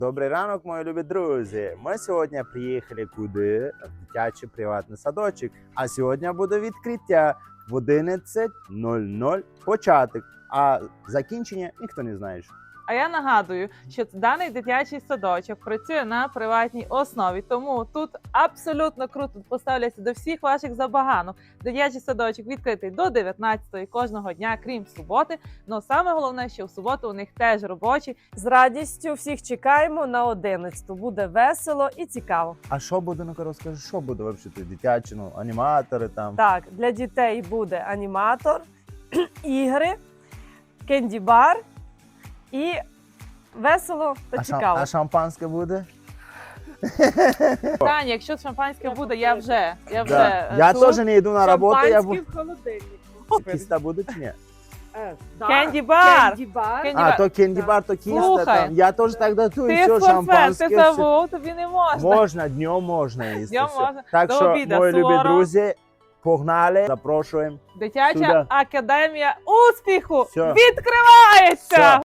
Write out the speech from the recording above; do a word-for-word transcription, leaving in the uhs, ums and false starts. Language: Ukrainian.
Добрий ранок, мої любі друзі. Ми сьогодні приїхали куди? В дитячий приватний садочок. А сьогодні буде відкриття в одинадцять нуль нуль початок. А закінчення ніхто не знає. А я нагадую, що даний дитячий садочок працює на приватній основі, тому тут абсолютно круто поставляться до всіх ваших забаганок. Дитячий садочок відкритий до дев'ятнадцятої кожного дня, крім суботи. Но саме головне, що в суботу у них теж робочі. З радістю всіх чекаємо на одинадцяту. Буде весело і цікаво. А що буде, ну-ка розкажи, що буде взагалі? Дитячі, ну, аніматори там? Так, для дітей буде аніматор, ігри, кенді-бар і весело та А, шам... цікаво. а шампанське буде? Таня, якщо шампанське буде, я вже, я вже Да. е, Я тут. теж не йду на роботу, я буду. в холодильнику. Кіста буде чи ні? Кенді-бар. Кенді-бар. Кенді- А, то кенді-бар, то кіста Слухай. там. Я теж так датую, Ти все, форфет, ти шампанське. все. забув, тобі не можна. Можна, днем можна їсти. Днем все. можна. Так До що, обіда, мої любі суворо. друзі, погнали, запрошуємо. Дитяча Сюди. академія успіху Все. відкривається! Все.